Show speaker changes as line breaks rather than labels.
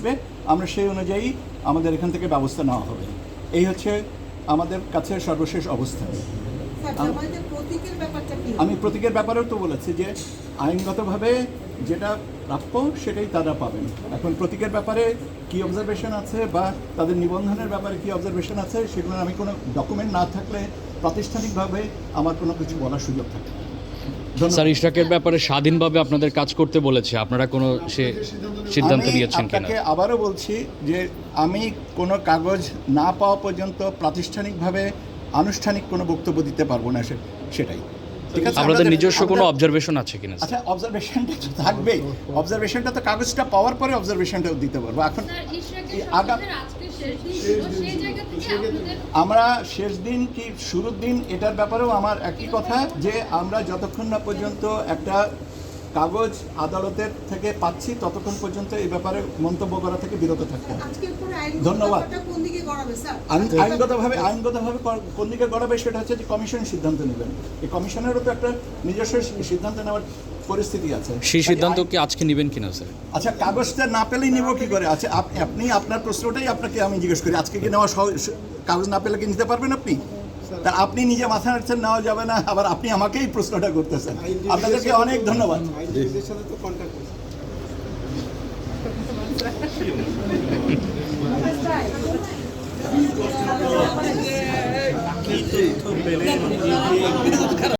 আসবে, আমরা সেই অনুযায়ী আমাদের এখান থেকে ব্যবস্থা নেওয়া হবে। এই হচ্ছে আমাদের কাছে সর্বশেষ অবস্থা। আমি প্রতীকের ব্যাপারেও তো বলেছি যে আইনগতভাবে যেটা প্রাপ্য সেটাই তারা পাবেন। এখন প্রতীকের ব্যাপারে কি অবজারভেশন আছে বা তাদের নিবন্ধনের ব্যাপারে কি অবজারভেশন আছে সেগুলো আমি কোনো ডকুমেন্ট না থাকলে প্রাতিষ্ঠানিকভাবে আমার কোনো কিছু বলার সুযোগ থাকে না।
স্যার, ইশরাকের ব্যাপারে স্বাধীনভাবে আপনাদের কাজ করতে বলেছে, আপনারা কোনো সে সিদ্ধান্ত নিয়েছেন কিনা?
আপনাকে আবারও বলছি যে আমি কোনো কাগজ না পাওয়া পর্যন্ত প্রাতিষ্ঠানিকভাবে আনুষ্ঠানিক কোনো বক্তব্য দিতে পারবো না, সেটাই। ঠিক আছে,
আপনাদের নিজস্ব কোনো অবজারভেশন আছে কিনা?
আচ্ছা, অবজারভেশনটা তো থাকবেই। অবজারভেশনটা তো কাগজটা পাওয়ার পরে অবজারভেশনটাও দিতে পারবো। এখন আমরা শেষ দিন কি শুরুর দিন এটার ব্যাপারেও আমার একই কথা যে আমরা যতক্ষণ না পর্যন্ত একটা কাগজ আদালতের থেকে পাচ্ছি ততক্ষণ পর্যন্ত এই ব্যাপারে মন্তব্য করা থেকে বিরত থাকতে হবে। ধন্যবাদ। আইনগতভাবে কোন দিকে গড়াবে সেটা হচ্ছে যে কমিশন সিদ্ধান্ত নেবেন। এই কমিশনেরও তো একটা নিজস্ব সিদ্ধান্ত নেওয়ার পরিস্থিতি আছে।
সেই সিদ্ধান্ত কি আজকে নেবেন কিনা স্যার?
আচ্ছা, কাগজটা না পেলেই নিব কি করে? আচ্ছা, আপনি আপনার প্রশ্নটাই আপনাকে আমি জিজ্ঞেস করি, আজকে কি নেওয়া কাগজ না পেলে কি নিতে পারবেন আপনি? তা আপনি নিজে মাথা নাড়ছেন নেওয়া যাবে না, আবার আপনি আমাকেই প্রশ্নটা করতেছেন। আপনাদেরকে অনেক ধন্যবাদ।